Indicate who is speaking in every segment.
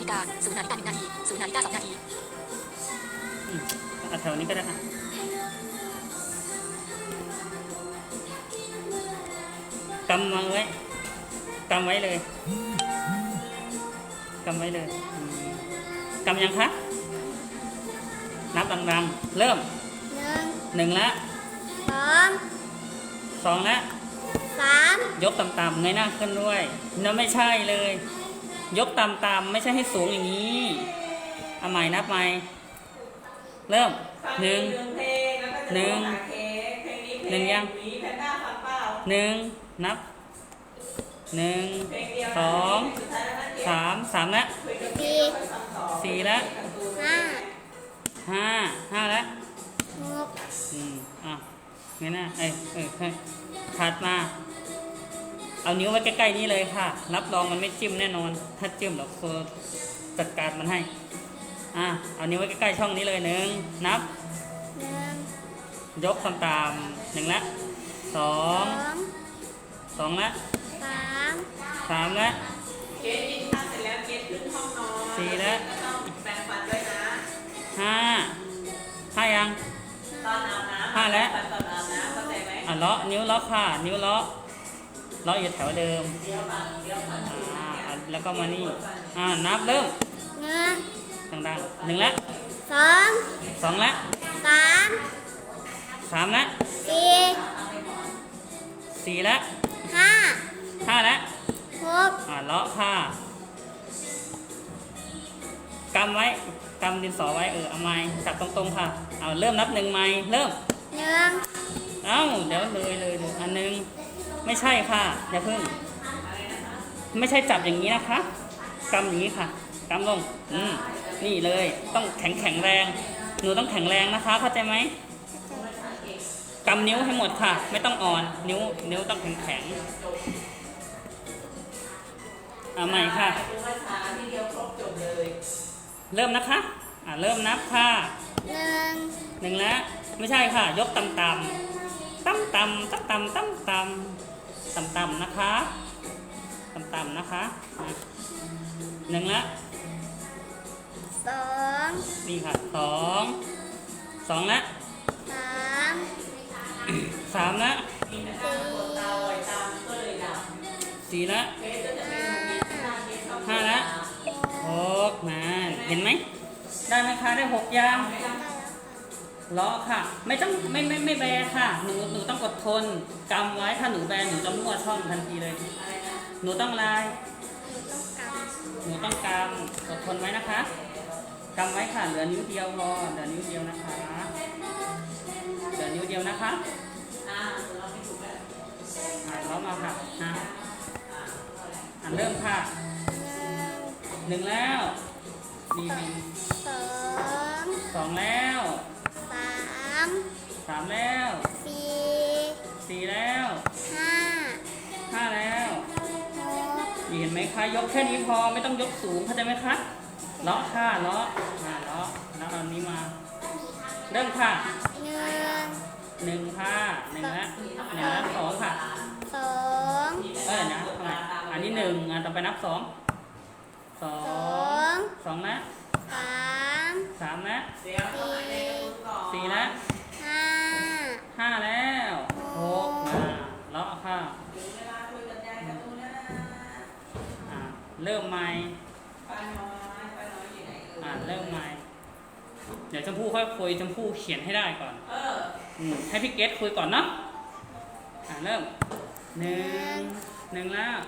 Speaker 1: ฬิกา0 นาฬิกา1 นาที0 นาฬิกา2 นาที
Speaker 2: แถวนี้ก็ได้กำมาไว้กำไว้เลยกำไว้เลยกำยังคะนับดังๆเริ่ม1ละ2ละ3ยกต่ำๆเงยหน้าขึ้นด้วยนั่นไม่ใช่เลยยกต่ำๆไม่ใช่ให้สูงอย่างนี้เอาใหม่นับใหม่เริ่ม1ยัง1นับ1 2 3ละ4ละ5ละเงยหน้าถัดมาเอานิ้วไว้ใกล้ๆนี้เลยค่ะรับรองมันไม่จิ้มแน่นอนถ้าจิ้มเดี๋ยวครูจัดการมันให้เอานิ้วไว้ใกล้ๆช่องนี้เลยนับยกต่ำๆ1ละ2ละ3ละ
Speaker 3: เกดกินข้าวเสร็จแล้วเกดขึ้นห้องนอน
Speaker 2: 4ละ
Speaker 3: ต้องแปรงฟันด้วยนะ
Speaker 2: 5ยัง
Speaker 3: ตอนอาบน้ำ
Speaker 2: 5แล้ว
Speaker 3: ตอนอาบน้ำเข้าใจไหม
Speaker 2: เลาะนิ้วเลาะค่ะนิ้วเลาะอยู่แถวเดิมแล้วก็มานี่นับเริ่มดังๆ1ละ2ละ3ละ4ละ5ละเลาะค่ะกำไว้กำดินสอไว้เอาไม้จับตรงๆค่ะเอาเริ่มนับ1ไม้เริ่มเดี๋ยวเลยอันนึงไม่ใช่ค่ะอย่าเพิ่งไม่ใช่จับอย่างนี้นะคะกำอย่างนี้ค่ะกำลงนี่เลยต้องแข็งแรงหนูต้องแข็งแรงนะคะเข้าใจไหมกำนิ้วให้หมดค่ะไม่ต้องอ่อนนิ้วต้องแข็งเอาใหม่ค่ะเริ่มนะคะเริ่มนับค่ะ1แล้วไม่ใช่ค่ะยกต่ำนะคะต่ำนะคะ1ละ2นี่ค่ะ2ละ3ละ4ละ5ละ6มาเห็นไหมได้ไหมคะได้6อย่างเลาะค่ะไม่ต้องไม่แบค่ะหนูต้องอดทนกำไว้ถ้าหนูแบหนูจะมั่วช่องทันทีเลยหนูต้องลายหนูต้องกำอดทนไว้นะคะกำไว้ค่ะเหลือนิ้วเดียวพอเหลือนิ้วเดียวนะคะเหลือนิ้วเดียวนะคะเลาะมาค่ะเริ่มค่ะ1แล้ว2แล้ว3แล้ว4แล้ว5แล้วเห็นไหมคะยกแค่นี้พอไม่ต้องยกสูงเข้าใจไหมคะเลาะค่ะเลาะแล้วเอานี้มาเริ่มค่ะ1ค่ะ1ละ2ค่ะนะอันนี้1ต่อไปนับ2ละ3ละ4ละ5แล้ว6มาเลาะค่ะเริ่มใหม่เริ่มใหม่เดี๋ยวชมพู่ค่อยคุยชมพู่เขียนให้ได้ก่อนให้พี่เกดคุยก่อนเนาะเริ่ม1แล้ว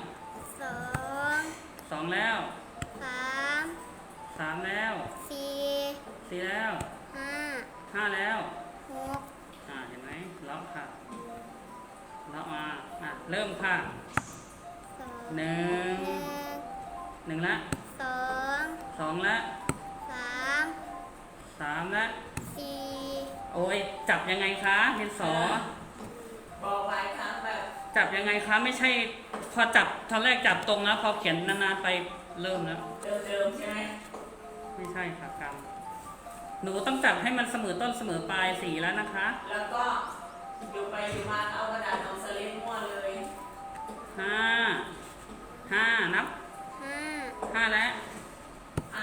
Speaker 2: 2แล้ว3แล้ว4แล้ว5แล้วเห็นไหมเลาะค่ะเลาะมาเริ่มค่ะ1ละ2ละ3ละโอ้ยจับยังไงคะดินสอ
Speaker 3: บอกหลายครั้งแบบ
Speaker 2: จับยังไงคะไม่ใช่พอจับตอนแรกจับตรงแล้วพอเขียนนานๆไปเริ่มแล้ว
Speaker 3: เดิมใช่ไหม
Speaker 2: ไม่ใช่ค่ะกรรมหนูต้องจับให้มันเสมอต้นเสมอปลายสีแล้วนะคะ
Speaker 3: แล้วก็อยู่ไปอยู่มาเอากระดาษเอาสลิปมั่วเลย
Speaker 2: 5นับ5แล้ว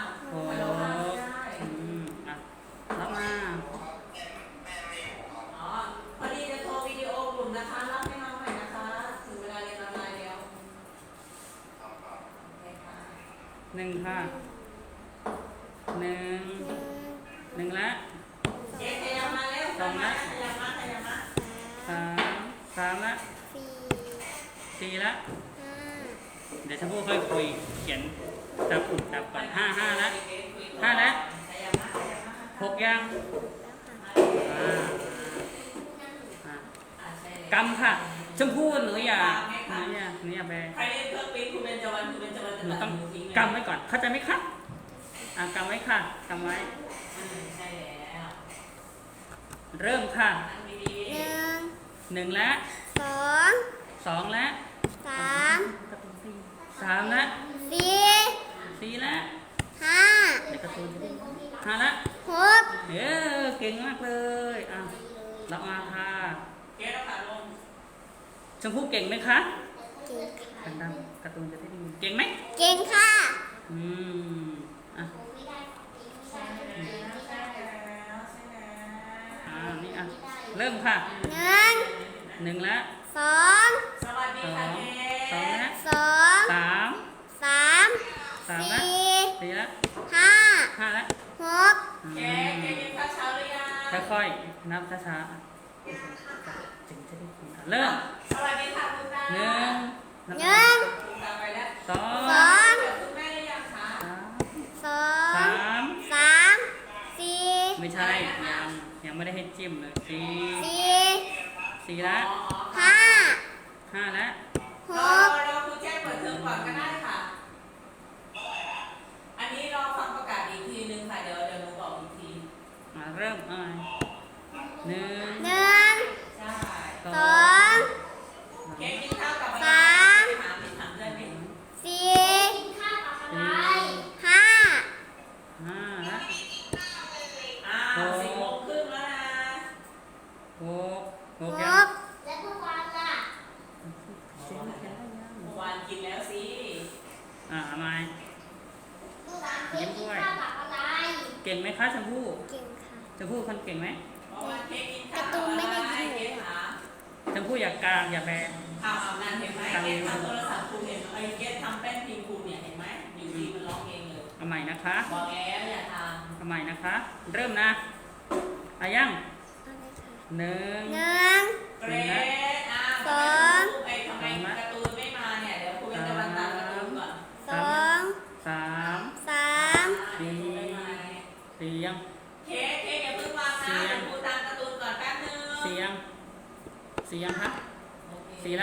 Speaker 2: 1ค่ะ1 1ละ
Speaker 3: เจ๊ขยับมาเร็ว
Speaker 2: สองละ
Speaker 3: ขยับมาขยับมา
Speaker 2: 3ละ 4ละ เดี๋ยวชมพู่ค่อยคุยเขียนจับก่อน5ละ5ละ6ยังกำค่ะชมพู่หนูอย่าแบ
Speaker 3: ใครเล่นเครื่องปิ้นคุณเบญจวรรณคุณเบญจวรรณจะ
Speaker 2: หนู
Speaker 3: ตัด
Speaker 2: ต้อง
Speaker 3: หนูทิ้งเลย
Speaker 2: กำไว้ก่อนเข้าใจไหมคะกำไว้ค่ะกำไว้
Speaker 3: ใช่แล้ว
Speaker 2: เริ่มค่ะ
Speaker 3: นั่งดี
Speaker 2: 1ละ2ละ3ละ4ละในการ์ตูน5ละเก่งมากเลยเรามาค่ะ
Speaker 3: ๆเจ๊ต้องขาลง
Speaker 2: ชมพู่เก่งไหมคะดังๆการ์ตูนจะได้ยินเก่งไหม
Speaker 4: เก่งค่ะ
Speaker 2: อืมอ่ะ
Speaker 3: ใช่แล้วใช่แล้วใช่แล้ว
Speaker 2: นี่เริ่มค่ะ 1ละ
Speaker 3: สวัสดีค่ะเจ๊
Speaker 2: 2ละ
Speaker 4: 2
Speaker 2: 3
Speaker 4: 3
Speaker 2: ละ
Speaker 4: 4
Speaker 2: 4ละ
Speaker 4: 5
Speaker 2: 5ละ
Speaker 4: 6
Speaker 3: เจ๊กินข้าวเช้าหรือยัง
Speaker 2: ค่อยๆนับช้าๆจึงจะได้กินเริ่ม
Speaker 3: สวัสดีค่ะคุณตา
Speaker 2: 1
Speaker 3: คุณตาไปแล้ว
Speaker 2: 2
Speaker 3: เดี๋ยวคุณแม่ได้ยังคะ
Speaker 2: 3
Speaker 4: 4
Speaker 2: ไม่ใช่ยังไม่ได้ให้จิ้มเลย4ละ
Speaker 4: 5
Speaker 2: 5ละ
Speaker 3: รอครูแจ้งเปิดเทอมก่อนก็ได้ค่ะ อันนี้รอฟังประกาศอีกทีนึงค่ะเดี๋ยวหนูบอกอีกที
Speaker 2: เริ่ม1
Speaker 4: 1
Speaker 3: ใช่
Speaker 4: 2
Speaker 3: เค้กกินข้าวกับอะไร
Speaker 4: สาม
Speaker 3: ถามดิถามด้วยไหม
Speaker 4: 4 5
Speaker 2: 5ละ
Speaker 3: 10 โมงครึ่งแล้วนะ
Speaker 2: 6
Speaker 4: 6
Speaker 2: ยัง
Speaker 4: และทุกวันล่ะ
Speaker 3: เมื่อวานกินแล้วสิ
Speaker 2: ทำไม
Speaker 4: ลูกหลานเค้กกินข้าวกับอะไร
Speaker 2: เก่งไหมคะชมพู่
Speaker 4: เก่งค่ะ
Speaker 2: ชมพู่คนเก่งไหม
Speaker 3: เมื่อวานเค้กกินข้าว
Speaker 4: การ์ตูนไม่ได้ยิน
Speaker 3: เค้กหา
Speaker 2: ชมพู่อย่ากลางอย่าแบน
Speaker 3: อาบน้ำเห็นไหมเค้กทำโทรศัพท์ครูเห็นไหมเค้กทำแป้นพิมพ์ครูเนี่ยเห็นไหมอยู่ดีมันร้องเองเลย
Speaker 2: เอาใหม่นะคะ
Speaker 3: บอกแล้วอย่าท
Speaker 2: เอาใหม่นะคะ เริ่มนะยัง
Speaker 4: 1
Speaker 3: ำเกรด
Speaker 4: สอง
Speaker 3: ไอ้ทำไมการ์ตูนไม่มาเนี่ยเดี๋ยวครูจะมาตามการ์ตูนก่อน
Speaker 4: 2
Speaker 2: 3
Speaker 4: 3
Speaker 2: 4ยัง
Speaker 3: เค้กอย่าเพิ่งวางนะเดี๋ยวครูตามการ์ตูนก่อนแป๊บนึง
Speaker 2: 4ยังครับ
Speaker 3: โอเค
Speaker 2: 4ละ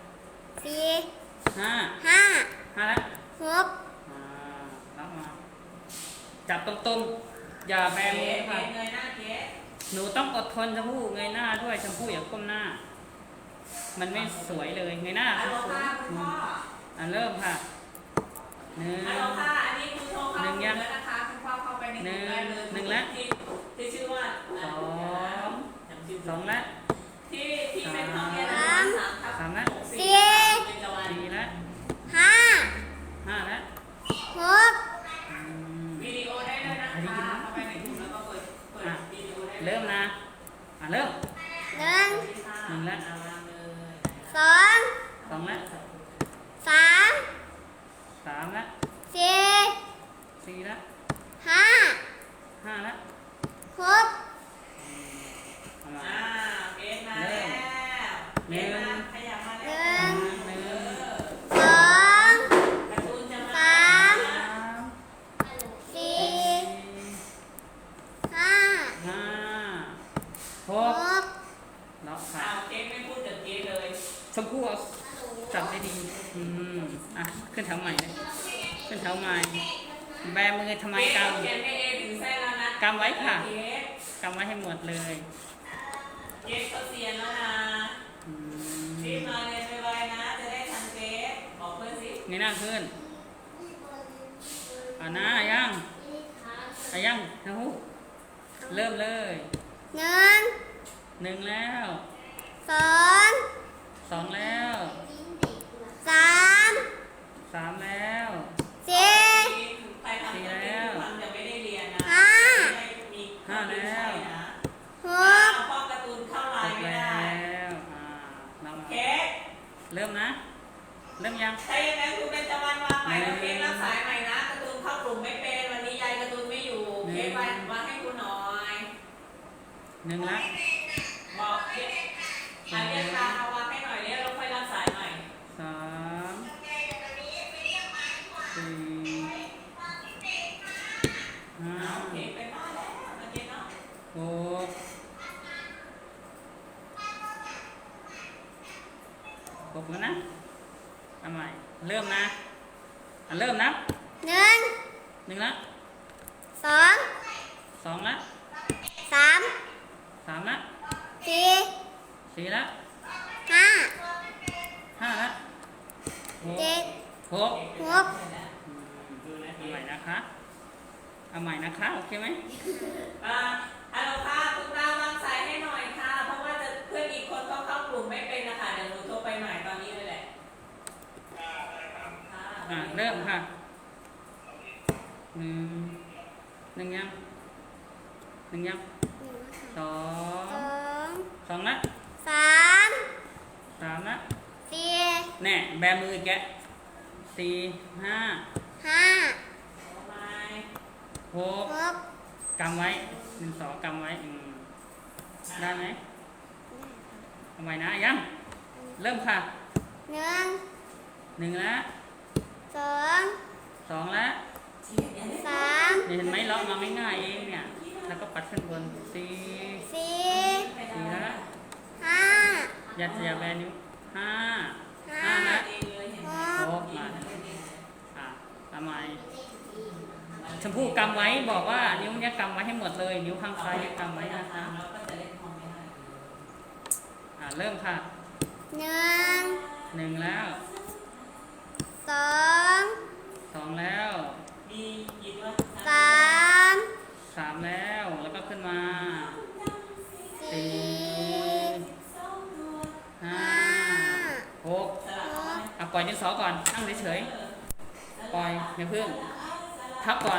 Speaker 4: 4
Speaker 2: 5
Speaker 4: 5
Speaker 2: 5ละ
Speaker 4: 6
Speaker 2: รับมาจับตรงๆอย่าแบ
Speaker 3: เค้
Speaker 2: มือก ค่ะ
Speaker 3: เงยหน้าเค้ก
Speaker 2: หนูต้องอดทนชมพู่เงยหน้าด้วยชมพู่อย่าก้มหน้า มันไม่สวยเลยเงยหน้า
Speaker 3: ฮัลโหล
Speaker 2: สวย
Speaker 3: ค่ะคุณพ่อ
Speaker 2: เริ่มค่ะ1
Speaker 3: ฮัลโหลค่ะอันนี้ครูโทรเข้าถึงแล้วนะคะคุณพ่อเข้าไปในกลุ่มได้เลยที่ชื่อว่า
Speaker 2: 2ละ
Speaker 3: ที่เป็นห้องเรียน3
Speaker 2: 3ละ
Speaker 3: 4 เป็นจวัน
Speaker 2: 4ละ
Speaker 4: 5
Speaker 2: 5ละ
Speaker 4: 6
Speaker 3: วิดีโอได้เลยนะคะเข้าไปในกลุ่มแล้วก็เปิดวิดีโอได้
Speaker 2: เริ่มนะเริ่ม
Speaker 4: 1
Speaker 2: 1ละ
Speaker 4: 2
Speaker 2: 2ละ
Speaker 4: 3
Speaker 2: 3ละ
Speaker 4: 4
Speaker 2: 4ละ
Speaker 4: 5
Speaker 2: 5ละ
Speaker 4: 6
Speaker 2: เอามา
Speaker 3: เกมมาแล้วเกมมาขยับมาแล้ว
Speaker 4: 2
Speaker 3: การ์ตูนจะมา
Speaker 4: 4 5
Speaker 2: 6
Speaker 4: 6
Speaker 2: ล็อกค่ะ
Speaker 3: เกมไม่พูดถึงเกมเลย
Speaker 2: ชมพู่เอาจับได้ดีขึ้นแถวใหม่เลยขึ้นแถวใหม่แบมือทำไมก
Speaker 3: เกมไม่เอถึงเส้นแล้วนะ
Speaker 2: ำกำไว้ค่ะกำไว้ให้หมดเลย
Speaker 3: เกมเขาเซียนแล้วนะรีบมาเรียนไวๆนะ จะได้ทันเกมบอกเพื่อนสิ
Speaker 2: เงยหน้าขึ้นนะยังชมพู่เริ่มเลย
Speaker 4: 1
Speaker 2: 1แล้ว
Speaker 4: 2
Speaker 2: 2แล้ว
Speaker 4: 3
Speaker 2: 3แล้ว
Speaker 4: 4
Speaker 3: ไปทำเกมทุกวันจะไม่ได้เรียนนะ
Speaker 2: 5แล้ว
Speaker 4: 6
Speaker 3: พ่อการ์ตูนเข้าไล
Speaker 2: 6
Speaker 3: น์ไม่
Speaker 2: แล้
Speaker 3: ได้
Speaker 2: วเรามา
Speaker 3: เค้ก
Speaker 2: เริ่มนะ เริ่มยัง
Speaker 3: ถ้าอย่างนั้นคุณเป็นตะวันวางใหม่แล้วเค้กรับสายใหม่นะการ์ตูนลุ่มไม่เป็นวันนี้ยายการ์ตูนไม่อยู่เค้กวางให้ครูหน่อย
Speaker 2: หนึ่งละ
Speaker 3: บอกเค้กเรียกตามมาวางให้หน่อยเนี่ยเราค่อยรับสายใหม่
Speaker 2: สามสี่ห้า
Speaker 3: เอาเค้กไปบ้านแล้วมาเจ๊เนาะ
Speaker 2: หกหกแล้วนะเอาใหม่เริ่มนะเริ่มนับ
Speaker 4: หนึ่ง
Speaker 2: หนึ่งละ
Speaker 4: สอง
Speaker 2: สองละ
Speaker 4: สาม
Speaker 2: สามละ
Speaker 4: สี่
Speaker 2: สี่ละ
Speaker 4: ห้า
Speaker 2: ห้าละหก
Speaker 4: เจ็ด
Speaker 2: หก
Speaker 4: หก
Speaker 2: เอาใหม่นะคะเอาใหม่นะคะโอเคไหม
Speaker 3: ฮัลโหลค่ะคุณดาววางสายให้หน่อยค่ะ เพราะว่าจะเพื่อนอีกคนเขาเข้ากลุ่มไม่เป็นนะคะ เดี๋ยวหนูโทรไปใหม่ตอนนี้เลยแหละค่ะ
Speaker 2: เริ่มค่ะหนึ่งหนึ่งยังหนึ่งยังสอ
Speaker 4: ส
Speaker 2: ง
Speaker 4: อง
Speaker 2: สองละ
Speaker 4: สาม
Speaker 2: สามละ
Speaker 4: สี่
Speaker 2: แน่แบมืออีกแกะสี่ห้า
Speaker 4: ห้า
Speaker 3: เอาไหม
Speaker 2: หก
Speaker 4: หก
Speaker 2: กำไว้หนึ่งสองกำไว้ได้ไหมเอาใหม่นะยังเริ่มค่ะ
Speaker 4: หนึ่ง
Speaker 2: หนึ่งละ
Speaker 4: สอง
Speaker 2: สองละ
Speaker 4: สาม
Speaker 2: นี่เห็นไหมเราเอามาง่ายๆเองเนี่ยแล้วก็ปัดขึ้นบนสี่
Speaker 4: สี่
Speaker 2: สี่ละ
Speaker 4: ห้า
Speaker 2: อย่าแบนิ้วห้า
Speaker 4: ห้า
Speaker 2: ห้าละ
Speaker 3: เองเลยเห็นไหม
Speaker 4: ห
Speaker 2: ห
Speaker 4: ก
Speaker 2: กมาทำไมชมพู่กำไว้บอกว่านิ้วเนี้ยกำไว้ให้หมดเลยนิ้วข้างซ้ายเนี่ยกำไว้นะคะ
Speaker 3: เราก็จะเล่นพอไม่ได้
Speaker 2: เริ่มค่ะ
Speaker 4: หนึ่ง
Speaker 2: หนึ่งแล้ว
Speaker 4: สอง
Speaker 2: สองแล้ว
Speaker 3: มีกี่ตัว
Speaker 4: สาม
Speaker 2: สามแล้วแล้วก็ขึ้นมา
Speaker 4: สี่
Speaker 2: ห้า
Speaker 4: ห้า
Speaker 2: หก
Speaker 3: สลับเอาไหม
Speaker 2: ปล่อยดินสอก่อนนั่งเฉยๆปล่อยอย่าเพิ่งพับก่อน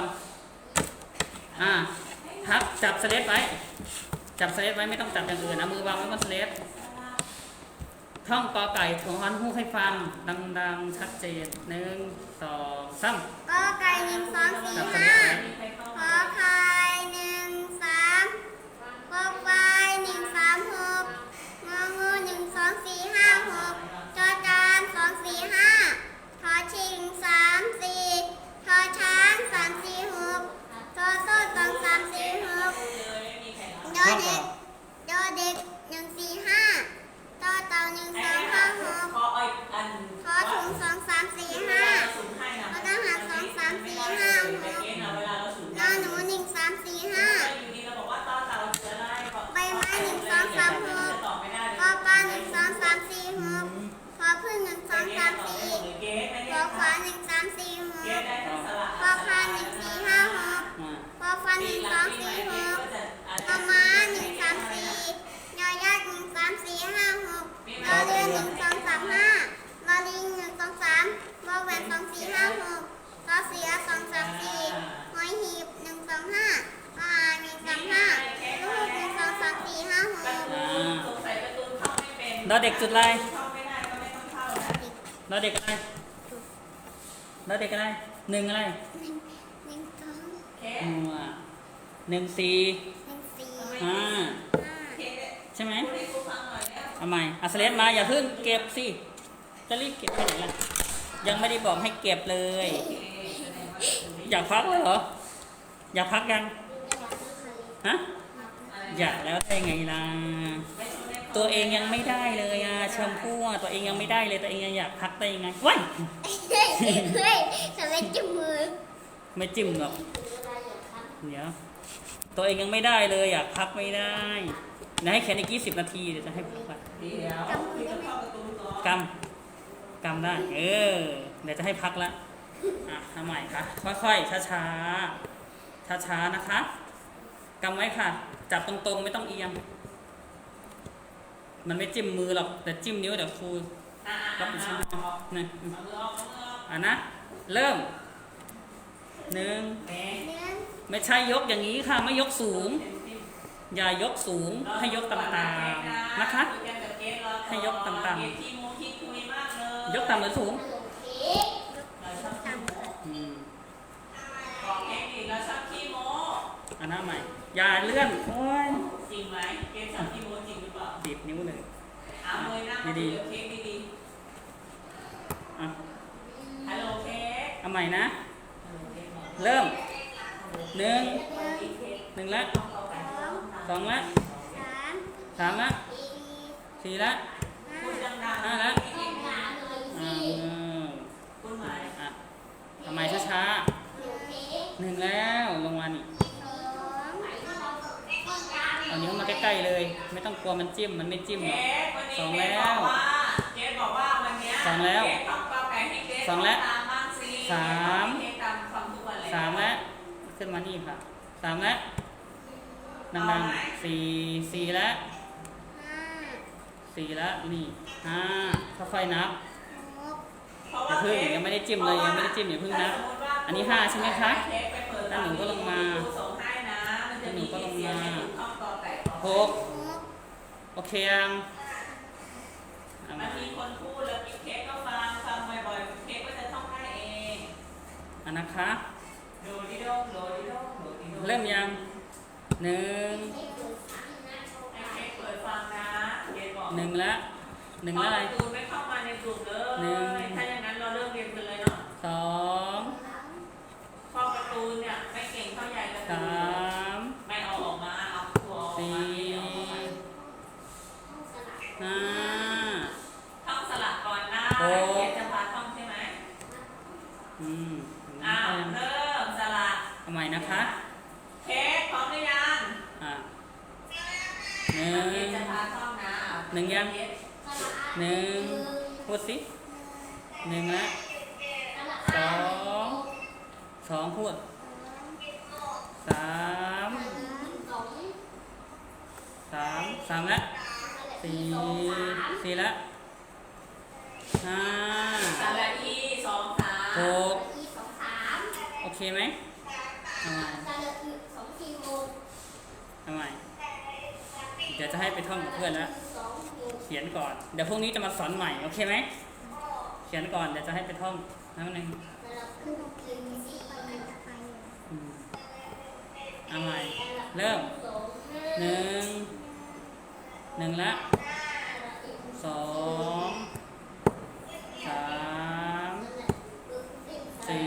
Speaker 2: พับจับสเลดไว้จับสเลดไว้ไม่ต้องจับอย่างอื่นนะมือวางไว้บนสเลดท่องกอไก่ถงฮอนฮูกให้ฟังดังๆชัดเจนหนึ่งสองสาม
Speaker 4: ก็ไก่หนึ่งสองสี่
Speaker 2: จับสเล
Speaker 4: ห้า
Speaker 2: ดไว้
Speaker 3: มีใครเข้า
Speaker 4: ข
Speaker 3: มา
Speaker 4: อไข่หนึ่งสามขอควายหนึ่งสามหกงองูหนึ่งสองสี่ห้าหกจอจานสองสี่ห้าทอชิงสามสี่ทอช้างสามสี่หกทอโซ่สองสามสี่หก
Speaker 3: เลยไม่มีใครเข้า
Speaker 4: ดอเด็กดอเด็กหนึ่งสี่ห้าต่อเต่าหนึ่งสองห้าหก
Speaker 3: พออ้อยอัน
Speaker 4: ทอถุงสองสามสี่ห้า
Speaker 3: สูงให้นะ
Speaker 4: ทอทหารสองสามสี่ห้าห
Speaker 3: ไป
Speaker 4: ก
Speaker 3: เกณฑ์เอาเวลาเราสูง
Speaker 4: นอหนูหนึ่งสามสี่ห้า
Speaker 3: อยู่ดีเราบอกว่าต่อเต่าเสือได้
Speaker 4: ใบไม้หนึ่งสองสามหก
Speaker 3: ตอบไม่ได้
Speaker 4: ปอปลาหนึ่งสองสามสี่หกพอพึ่งหนึ่งสองสามสี่
Speaker 3: เกณฑ์ไม่
Speaker 4: พ
Speaker 3: ได้
Speaker 4: อขวาหนึ่งสามสี่ห
Speaker 3: เก
Speaker 4: ก
Speaker 3: ณฑ์ได้ทั้งสละ
Speaker 4: พอพานหนึ่งสี่ห้าหกพอฟันหนึ่งสองสี่หกพอม้าหนึ่งสามสี่ยอยักษ์หนึ่งสามสี่ห้าหกรอเรือหนึ่งสองสามห้ารอลิงหนึ่งสองสามวอแหวนสองสี่ห้าหกรอเสือสองสามสี่หอยหีบหนึ่งสองห้าปลาหนึ่งสามห้าลูกหนึ่งสองสามสี่ห้าหก
Speaker 3: สงสัยประตูเข้าไม่เป็น
Speaker 2: ดอเด็กจุดอะไร
Speaker 3: เข้าไม่ได้ก็ไม่ต้องเข้านะ
Speaker 2: ดอเด็กอะไรดอเด็กอะไรหนึ่งอะไร
Speaker 4: หนึ่งสอง
Speaker 3: เค
Speaker 2: หนึ่งสี่
Speaker 4: หนึ่งสี่
Speaker 2: ห้า
Speaker 4: ห้า
Speaker 3: เค
Speaker 2: ใช่ไหม
Speaker 3: พูดให้ครูฟังหน่อยแล้ว
Speaker 2: เอาใหม่เอาสเลดมาอย่าเพิ่งเก็บสิจะรีบเก็บไปไหนล่ะยังไม่ได้บอกให้เก็บเลย อยากพักแล้วเหรออยากพักยังฮะอยากแล้วได้ไงล่ะตัวเองยังไม่ได้เลยชมพู่ตัวเองยังไม่ได้เลยตัวเองยังอยากพักได้ยังไงว้าย
Speaker 4: เฮ้ยเฮ้ยทำไมจมูก
Speaker 2: ไม่จิ้มหรอกเดี๋ยวตัวเองยังไม่ได้เลยอยากพักไม่ได้นะให้แค่ใน20 นาทีเดี๋ยวจะให้พักก่อน
Speaker 3: เดี๋ยวพี่จะเข้าประตูก่อน
Speaker 2: กำได้เดี๋ยวจะให้พักละทำใหม่ค่ะค่อยๆช้าๆช้าๆนะคะกำไว้ค่ะจับตรงๆไม่ต้องเอียงมันไม่จิ้มมือหรอกแต่จิ้มนิ้วเดี๋ยวครูรับผิดชอบนี่
Speaker 3: เอามือออกเอามือออก
Speaker 2: นะเริ่มหนึ่ง
Speaker 3: แม่
Speaker 4: เนื้อ
Speaker 2: ไม่ใช่ยกอย่างนี้ค่ะไม่ยกสูง อย่ายกสูงให้ยกต่ำๆนะคะ ให้ยกต่ำๆ
Speaker 3: ที่มูที่คุยมากเลย
Speaker 2: ยกต่ำหรือสูง
Speaker 4: ตาม
Speaker 2: อืม
Speaker 3: ขอ
Speaker 2: อย่าเลื่อนโอ้ย
Speaker 3: จริงไหมเกมสับที่โมจริงหรือเปล่า
Speaker 2: บีบนิ้วเลย
Speaker 3: เอาเลยนะมาดูเค้กดี
Speaker 2: อ่ะ
Speaker 3: ๆฮัลโหลเค้ก
Speaker 2: เอาใหม่นะ
Speaker 3: ฮัลโหลเค้กบอก
Speaker 2: เริ่มหนึ่ง
Speaker 3: กินเค้ก
Speaker 2: หนึ่งละ
Speaker 3: ต้องเข้าไปต้อง
Speaker 2: สองละ
Speaker 4: สาม
Speaker 2: สามละ
Speaker 4: สี่
Speaker 2: สี่ละ
Speaker 3: พูดดังๆ
Speaker 2: ห้าละ
Speaker 3: เก่งๆนะ
Speaker 2: อ่า
Speaker 3: พูดใหม่
Speaker 2: อ่ะทำไมช้าๆหนึ่งแล้วลงมานี่เอานิ้วมาใกล้ๆเลย ไม่ต้องกลัวมันจิ้มมันไม่จิ้มหรอก
Speaker 3: เค้กวันนี้
Speaker 2: สอง
Speaker 3: เค้ก
Speaker 2: แล้
Speaker 3: บอ
Speaker 2: ว
Speaker 3: กว่าเค้กบอกว่าวันเนี้ย
Speaker 2: สองแล้ว
Speaker 3: เค้กต้องกาไก่ให้เค้ก
Speaker 2: สองแล้ว
Speaker 3: ตามบ้างสิ
Speaker 2: สาม
Speaker 3: เค้กตามฟังทุกวันเลย
Speaker 2: สามแล้วขึ้นมานี่ค่ะสามแล้วดังๆสี่สี่แล้ว
Speaker 4: ห้า
Speaker 2: สี่แล้วนี่ห้าค่อยๆนับ
Speaker 4: หก
Speaker 3: เพราะ
Speaker 2: อย่า
Speaker 3: ว่า
Speaker 2: เพิ่ง
Speaker 3: ค้ก
Speaker 2: ยังไม่ได้จิ้มเลยยังไม่ได้จิ้มอย่าเพิ่งนับ อันนี้ห้าใช่ไหมคะ
Speaker 3: เค้กไปเปิด
Speaker 2: แล้วหนูก็ลงมา
Speaker 3: ครูส่งให้นะมันจะมี
Speaker 2: แล้วหนูก็ลงมา
Speaker 3: เสียงให้ถูกต้องกอไก่ขอ
Speaker 2: หก
Speaker 4: หก
Speaker 2: โอเคยังเอา
Speaker 3: มั
Speaker 2: มาน
Speaker 3: มีคนพูดแล้วเค้กก็ฟังบ่อยๆเค้กก็จะท่องได้เอง
Speaker 2: อันนะคะ
Speaker 3: โดดิโดงโดดิโดงโดดิโดง
Speaker 2: เริ่มยังหนึ่ง
Speaker 3: ให้เค้กเปิดฟังนะเค้กบอก
Speaker 2: หนึ่งละหนึ่ง
Speaker 3: เพราะ
Speaker 2: อะไร
Speaker 3: ประตูไม่เข้ามาในกลุ่มเลย
Speaker 2: หนึ่ง
Speaker 3: ถ้าอย่างนั้นเราเริ่มเรียนกันเลยเนาะ
Speaker 2: สอง
Speaker 3: เพราะประตูเนี่ยไม่เก่งเท่าใหญ่ประตู
Speaker 2: สาม
Speaker 3: ไม่เอาออกมาเอาตัวออก
Speaker 2: สี่
Speaker 3: มาไม่เอาออกมา
Speaker 2: ห้า
Speaker 3: ท่องสลับก่อนนะ
Speaker 2: หก
Speaker 3: เค้กจะพาท่องใช่ไหม
Speaker 2: อืม
Speaker 3: อ้าวเริ่มสลับ
Speaker 2: เอาใหม่นะคะ
Speaker 3: เค้กพร้อมหรือยัง
Speaker 2: อ่ะหนึ่
Speaker 3: เค้ก
Speaker 2: ง
Speaker 3: จะพาท่องนะ
Speaker 2: หนึ่งยัง
Speaker 3: เค้ก
Speaker 2: หนึ่งพูดสิหนึ่งละสองสองพูดสามสามละสี่สี่ละห้า
Speaker 3: สระอีสองสาม
Speaker 2: หกโอเคไหมเอาใหม่เอาใหม่เดี๋ยวจะให้ไปท่องกับเพื่อนแล้วเขียนก่อนเดี๋ยวพรุ่งนี้จะมาสอนใหม่โอเคไหมเขียนก่อนเดี๋ยวจะให้ไปท่องน้ำหนึ่งอืมเอาใหม่เริ่มหนึ่งละสองสามสี่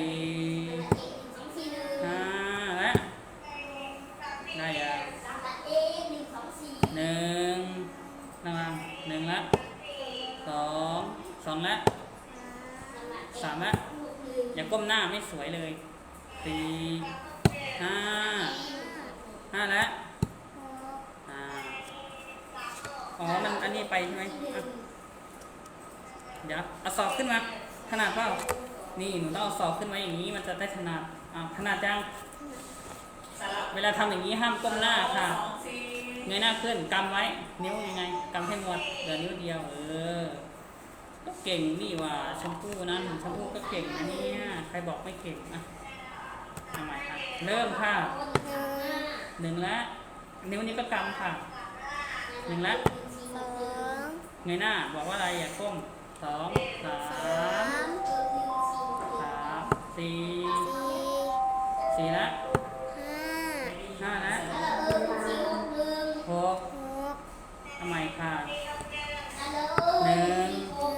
Speaker 2: ห้าและได้ยังหนึ่งระวังหนึ่งละสองละสามละอย่าก้มหน้าไม่สวยเลยสี่ห้าละอ่าอ๋อมันอันนี้ไปใช่ไหมอ่ะเดี๋ยวเอาศอกขึ้นมาถนัดเปล่านี่หนูต้องเอาศอกขึ้นมาอย่างนี้มันจะได้ถนัดถนัดจัง
Speaker 3: สลับ
Speaker 2: เวลาทำอย่างนี้ห้ามก้มหน้าค่ะ
Speaker 3: สองสี่
Speaker 2: เงยหน้าขึ้นกำไว้นิ้วยังไงกำให้หมดเหลือนิ้วเดียวก็เก่งนี่ว่าชมพู่นะชมพู่ก็เก่งนะเนี่ยใครบอกไม่เก่งอ่ะทำไมค่ะเริ่มค่ะหนึ่งละนิ้วนี้ก็กำค่ะหนึ่งละ
Speaker 4: สอง
Speaker 2: เงยหน้าบอกว่าอะไรอย่าก้มสองสา
Speaker 4: สาม ม
Speaker 2: สี่
Speaker 4: สี่
Speaker 2: สี่ละ
Speaker 4: ห้า
Speaker 2: ห้าละหก
Speaker 4: หก
Speaker 2: ทำไมค่ะหนึ่ง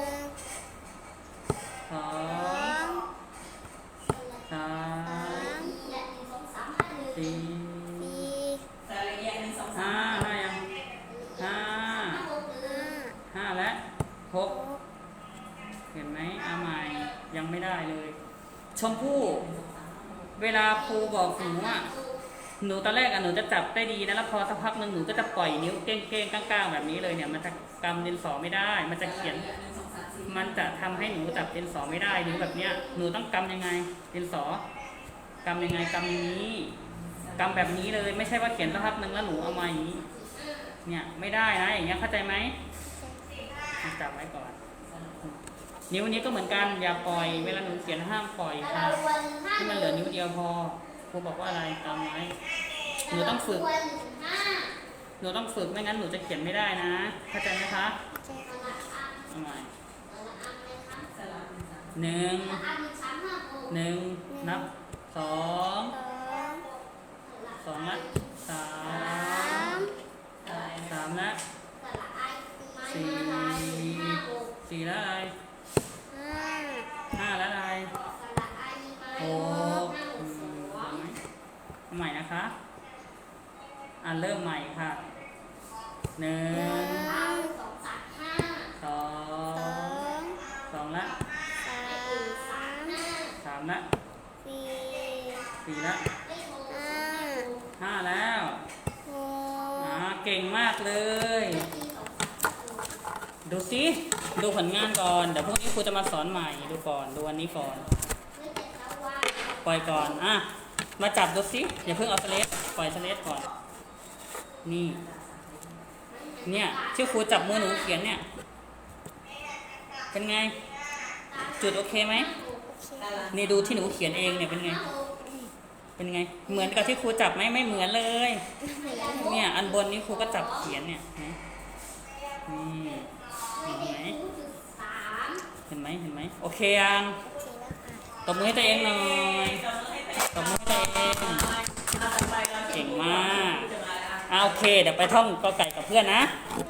Speaker 2: สอ
Speaker 4: สอง
Speaker 2: งสามสี่
Speaker 4: สี่
Speaker 3: สระเอียดหนึ่งสองสา
Speaker 2: ห้าม ยังห้า
Speaker 4: ห้า
Speaker 2: และหกเห็นไหมอาใหม่ยังไม่ได้เลย ชมพู่เวลาครูบอกหนูหนูตอนแรกหนูจะจับได้ดีนะแล้วพอสักพักหนึ่งหนูก็จะปล่อยนิ้วเก้งๆก้างๆแบบนี้เลยเนี่ยมันจะกำดินสอไม่ได้ มันจะเขียน มันจะทำให้หนูจับดินสอไม่ได้นิ้วแบบเนี้ยหนูต้องกำยังไงดินสอกำยังไงกำอย่างนี้กำแบบนี้เลยไม่ใช่ว่าเขียนสักพักหนึ่งแล้วหนูเอามาอย่างนี้เนี่ยไม่ได้นะอย่างเงี้ยเข้าใจไหมจับไว้ก่อน นิ้วนี้ก็เหมือนกันอย่าปล่อยเวลาหนูเขียนห้ามปล่อยค่ะที่มันเหลือนิ้วเดียวพอครูบอกว่าอะไรตามไว้หนูต้องฝึกไม่งั้นหนูจะเขียนไม่ได้นะเข้าใจไหมคะเอาใหม่หนึ่งนับสอง
Speaker 4: สอง
Speaker 2: 2ละ3
Speaker 4: สาม
Speaker 2: 3ละ4 4ละอะไร
Speaker 4: ห้า
Speaker 2: 5ละอะไร6เอาใหม่นะคะเริ่มใหม่ค่ะ1
Speaker 4: หนึ่ง
Speaker 2: 2
Speaker 4: สอง
Speaker 2: 2ละ
Speaker 4: สาม
Speaker 2: 3ละ
Speaker 4: สี่
Speaker 2: 4ละ
Speaker 4: ห้า
Speaker 2: 5แล้ว
Speaker 4: หก
Speaker 2: เก่งมากเลย ดูสิดูผลงานก่อนเดี๋ยวพรุ่งนี้ครูจะมาสอนใหม่ดูก่อนดูวันนี้ก่อนปล่อยก่อนมาจับดูสิอย่าเพิ่งเอาสเลดปล่อยสเลดก่อนนี่เนี่ยที่ครูจับมือหนูเขียนเนี่ยเป็นไงจุดโอเคไหมนี่ดูที่หนูเขียนเองเนี่ยเป็นไงเป็นไงเหมือนกับที่ครูจับไหมไม่เหมือนเลยเนี่ยอันบนนี้ครูก็จับเขียนเนี่ยนี่เห็นไหมเห็นไหมเห็นไหมโอเคยังตบมือให้ตัวเองหน่อยตบมือให้ตัวเองเก่งมากโอเคเดี๋ยวไปท่องกอไก่กับเพื่อนนะ